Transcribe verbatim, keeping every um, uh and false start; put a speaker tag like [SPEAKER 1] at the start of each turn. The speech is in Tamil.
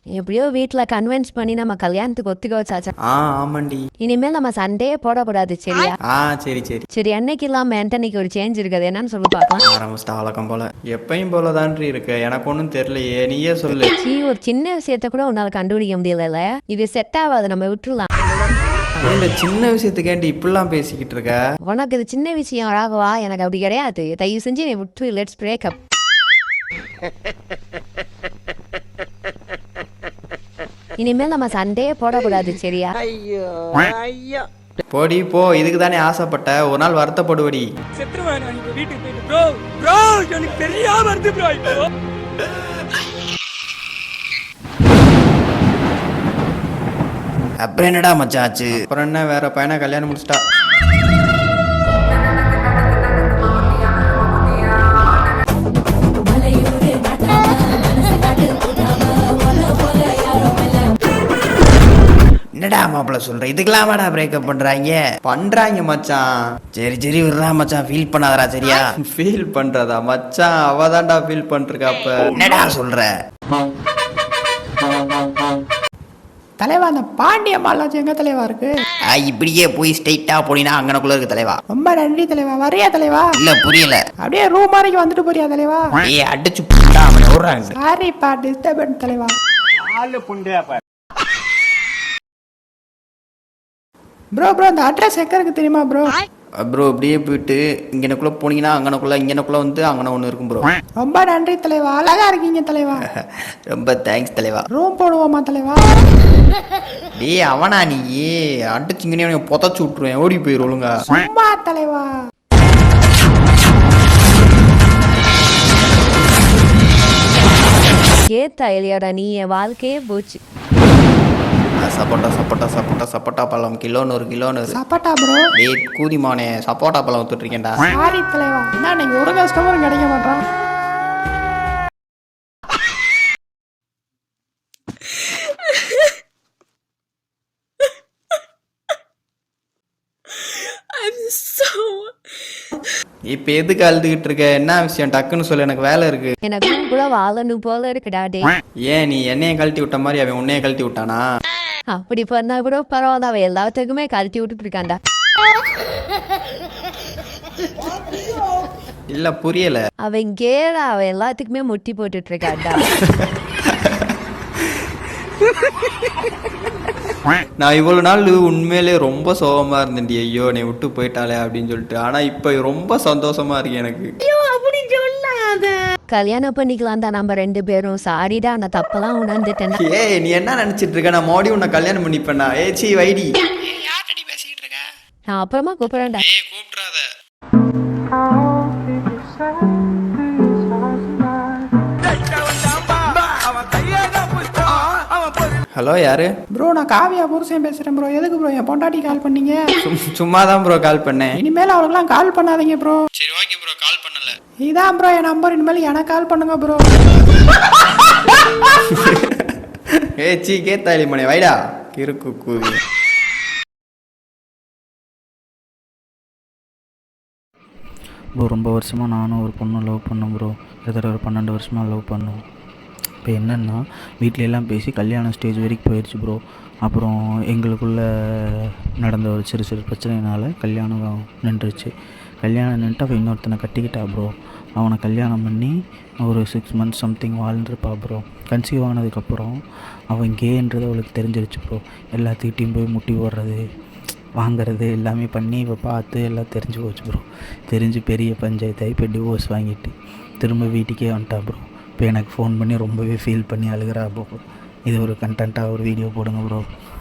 [SPEAKER 1] எப்படியோ வீட்டில் கன்வின்ஸ் பண்ணி நம்ம கல்யாணத்துக்கு ஒத்துக்க வச்சாச்சா.
[SPEAKER 2] ஆ ஆமாண்டி.
[SPEAKER 1] இனிமேல் நம்ம சண்டையே போடக்கூடாது சரியா?
[SPEAKER 2] ஆ சரி சரி
[SPEAKER 1] சரி, அன்னைக்கு இல்லாமல் ஆண்டனிக்கு ஒரு சேஞ்ச் இருக்குது, என்னன்னு சொல்லி பார்க்கலாம்.
[SPEAKER 2] ஆரம்பிச்சிட்டா வழக்கம் போல. எப்பயும் போல தான்றி இருக்கு, எனக்கு ஒன்றும் தெரியலையே, நீயே சொல்லு.
[SPEAKER 1] சீ, ஒரு சின்ன விஷயத்த கூட உன்னால் கண்டுபிடிக்க முடியல. இது செட் ஆகாது, நம்ம விட்டுருலாம்.
[SPEAKER 2] இந்த சின்ன விஷயத்துக்கேண்டி இப்படிலாம் பேசிக்கிட்டு இருக்க?
[SPEAKER 1] உனக்கு இது சின்ன விஷயம் ராகவா, எனக்கு அப்படி கிடையாது. தயவு செஞ்சு நீ விட்டு லெட்ஸ் பிரேக் அப். இனிமேல் நம்ம சண்டையே போடக்கூடாது சரியா?
[SPEAKER 3] ஐயோ ஐயோ
[SPEAKER 2] போடி போ, இதுக்கு தானே ஆசைப்பட்ட, ஒரு நாள் வருத்தப்படுவடி.
[SPEAKER 3] வீட்டுக்கு போயிட்டு ப்ரோ ப்ரோ எனக்கு தெரியாம வருது ப்ரோ. இப்போ
[SPEAKER 2] அப்புறம் என்னடா மச்சாச்சு? அப்புறம் என்ன, வேற பையனை கல்யாணம் முடிச்சிட்டா. என்னடா மாப்பிள்ள சொல்ற, இதுக்கெல்லாம் வாடா பிரேக்கப் பண்றாங்க பண்றாங்க மச்சான். சரி சரி விடுறா மச்சான், ஃபீல் பண்ணாதடா சரியா? ஃபீல் பண்றதா மச்சான்? அவதான்டா ஃபீல் பண்ணிருக்கா. அப்ப என்னடா சொல்ற தலைவா? அந்த பாண்டிய மாலாஜி எங்க தலைவா இருக்கு? இப்படியே போய் ஸ்ட்ரைட்டா போனீங்கன்னா அங்கனக்குள்ள இருக்கு தலைவா. ரொம்ப நன்றி தலைவா. வரையா தலைவா? இல்ல புரியல. அப்படியே ரூம் வரைக்கும் வந்துட்டு போறியா தலைவா? ஏய் அடிச்சு புட்டா அவன் ஓடுறாங்க. சாரி பா, டிஸ்டர்பன்ஸ் தலைவா. ஆளு புண்டையா பா. ப்ரோ ப்ரோ அந்த அட்ரஸ் எங்க இருக்கு தெரியுமா ப்ரோ? ப்ரோ இப்படியே போயிட்டு இங்கனக்குள்ள போனீங்கன்னா அங்கனக்குள்ள இங்கனக்குள்ள வந்து அங்கன ஒன்று இருக்கும் ப்ரோ. ரொம்ப நன்றி தலைவா, அழகா இருக்கீங்க தலைவா. ரொம்ப தேங்க்ஸ் தலைவா. ரூம் போடுவோமா தலைவா? டேய் அவனா நீ அடிச்சிங்கனே புதைச்சு விட்டுருவேன், ஓடி போயிரு ஒழுங்கா. சும்மா தலைவா.
[SPEAKER 1] ஏத்தா இல்லையாடா நீ, என் வாழ்க்கையே போச்சு.
[SPEAKER 2] சப்போட்டா சப்போட்டா சப்போட்டா சப்போட்டா பழம் கிலோ நூறு கிலோ நூறு. சப்போட்டா ப்ரோ. டேய் கூதிமானே, சப்போட்டா பழம் வித்துட்டு இருக்கேன்டா. சாரி தலைவா. என்ன நீங்க ஒரு கஸ்டமரும் கிடைக்க மாட்டான். இப்ப எதுக்கு அழுதுகிட்டு இருக்க? என்ன விஷயம் டக்குன்னு சொல்லு, எனக்கு வேலை இருக்கு.
[SPEAKER 1] எனக்கு கூட வாழணும் போல இருக்குடா. டே
[SPEAKER 2] ஏன் நீ என்னைய கழட்டி விட்ட மாதிரி அவன் உன்னைய கழட்டி விட்டானா?
[SPEAKER 1] அப்படி பண்ணா கூட பரவாயில்ல, அவன் எல்லாத்துக்குமே கழட்டி விட்டுட்டு இருக்காண்டா.
[SPEAKER 2] இல்ல புரியல.
[SPEAKER 1] அவன் கேடா, அவன் எல்லாத்துக்குமே முட்டி போட்டுட்டு இருக்காண்டா.
[SPEAKER 2] நான் இவ்வளவு நாள் உண்மையிலே ரொம்ப சோகமா இருந்தேன். ஐயோ நீ விட்டு போயிட்டாலே அப்படின்னு சொல்லிட்டு. ஆனா இப்ப ரொம்ப சந்தோஷமா இருக்கு எனக்கு.
[SPEAKER 1] கல்யாணம் பண்ணிக்கலாம் தான் நம்ம ரெண்டு பேரும். சாரிடா, நான் தப்பெல்லாம் உணர்ந்துட்டேன்.
[SPEAKER 2] ஏய் நீ என்ன நினைச்சிட்டு இருக்க? நான் மோடி உன்னை கல்யாணம் பண்ணிப்பேனா? ஏச்சி வைடி. யார்கிட்ட பேசிட்டு இருக்க?
[SPEAKER 1] நான் அப்புறமா கூப்பிடுறேன்டா.
[SPEAKER 2] ஏய் கூப்பிடாத. ஹலோ யாரு ப்ரோ? நான் காவியா புருஷன் பேசுறேன் ப்ரோ. எதுக்கு ப்ரோ என் பொண்டாட்டி கால் பண்ணீங்க? சும்மா தான் ப்ரோ கால் பண்ணேன். இனிமேல் அவளுக்குலாம் கால் பண்ணாதீங்க ப்ரோ. சரி ஓகே ப்ரோ, கால் பண்ணல. இதான் ப்ரோ என் நம்பர், இனிமேல் எனக்கு கால் பண்ணுங்க ப்ரோ. ஏ சீ கேத்தாளி மணி வைடா கிறுக்கு கூவி.
[SPEAKER 4] ப்ரோ ரொம்ப வருஷமாக நானும் ஒரு பொண்ணு லவ் பண்ணேன் ப்ரோ. கிட்டத்தட்ட ஒரு பன்னெண்டு வருஷமாக லவ் பண்ணோம். இப்போ என்னென்னா வீட்டில எல்லாம் பேசி கல்யாணம் ஸ்டேஜ் வரைக்கும் போயிடுச்சு ப்ரோ. அப்புறம் எங்களுக்குள்ளே நடந்த ஒரு சிறு சிறு பிரச்சனைனால கல்யாணம் நின்றுச்சு. கல்யாணம் நின்றுட்டு அவள் இன்னொருத்தனை கட்டிக்கிட்டா ப்ரோ. அவனை கல்யாணம் பண்ணி ஒரு சிக்ஸ் மந்த்ஸ் சம்திங் வாழ்ந்துருப்பா ப்ரோ. கன்சீவ் ஆனதுக்கப்புறம் அவன் கேன்றது அவளுக்கு தெரிஞ்சிருச்சு ப்ரோ. எல்லாத்துக்கிட்டையும் போய் முட்டி போடுறது வாங்கிறது எல்லாமே பண்ணி இப்போ பார்த்து எல்லாம் தெரிஞ்சு போச்சு ப்ரோ. தெரிஞ்சு பெரிய பஞ்சாயத்தாகி இப்போ டிவோர்ஸ் வாங்கிட்டு திரும்ப வீட்டுக்கே வந்துட்டா ப்ரோ. இப்போ எனக்கு ஃபோன் பண்ணி ரொம்பவே ஃபீல் பண்ணி அழுகிறா ப்ரோ. இது ஒரு கண்டென்ட்டாக ஒரு வீடியோ போடுங்க ப்ரோ.